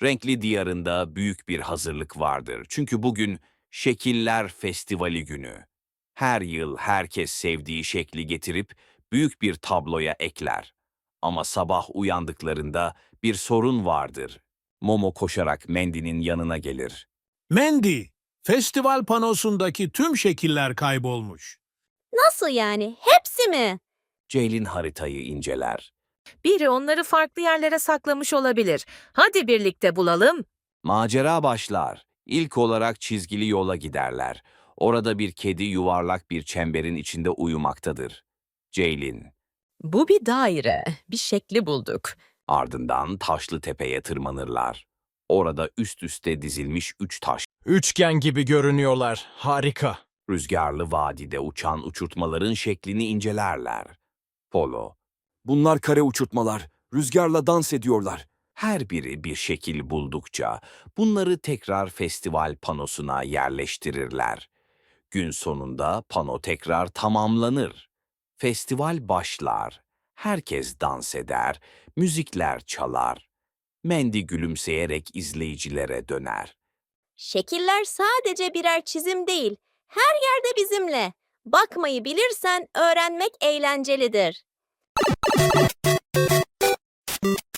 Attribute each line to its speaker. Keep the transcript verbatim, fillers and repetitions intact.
Speaker 1: Renkli Diyarı'nda büyük bir hazırlık vardır. Çünkü bugün Şekiller Festivali günü. Her yıl herkes sevdiği şekli getirip büyük bir tabloya ekler. Ama sabah uyandıklarında bir sorun vardır. Momo koşarak Mandy'nin yanına gelir.
Speaker 2: Mandy, festival panosundaki tüm şekiller kaybolmuş.
Speaker 3: Nasıl yani? Hepsi mi?
Speaker 1: Ceylin haritayı inceler.
Speaker 4: Biri onları farklı yerlere saklamış olabilir. Hadi birlikte bulalım.
Speaker 1: Macera başlar. İlk olarak çizgili yola giderler. Orada bir kedi yuvarlak bir çemberin içinde uyumaktadır. Ceylin.
Speaker 4: Bu bir daire. Bir şekli bulduk.
Speaker 1: Ardından Taşlı Tepe'ye tırmanırlar. Orada üst üste dizilmiş üç taş.
Speaker 5: Üçgen gibi görünüyorlar. Harika.
Speaker 1: Rüzgarlı vadide uçan uçurtmaların şeklini incelerler. Polo. Bunlar kare uçurtmalar. Rüzgarla dans ediyorlar. Her biri bir şekil buldukça bunları tekrar festival panosuna yerleştirirler. Gün sonunda pano tekrar tamamlanır. Festival başlar. Herkes dans eder, müzikler çalar. Mandy gülümseyerek izleyicilere döner.
Speaker 3: Şekiller sadece birer çizim değil. Her yerde bizimle. Bakmayı bilirsen öğrenmek eğlencelidir.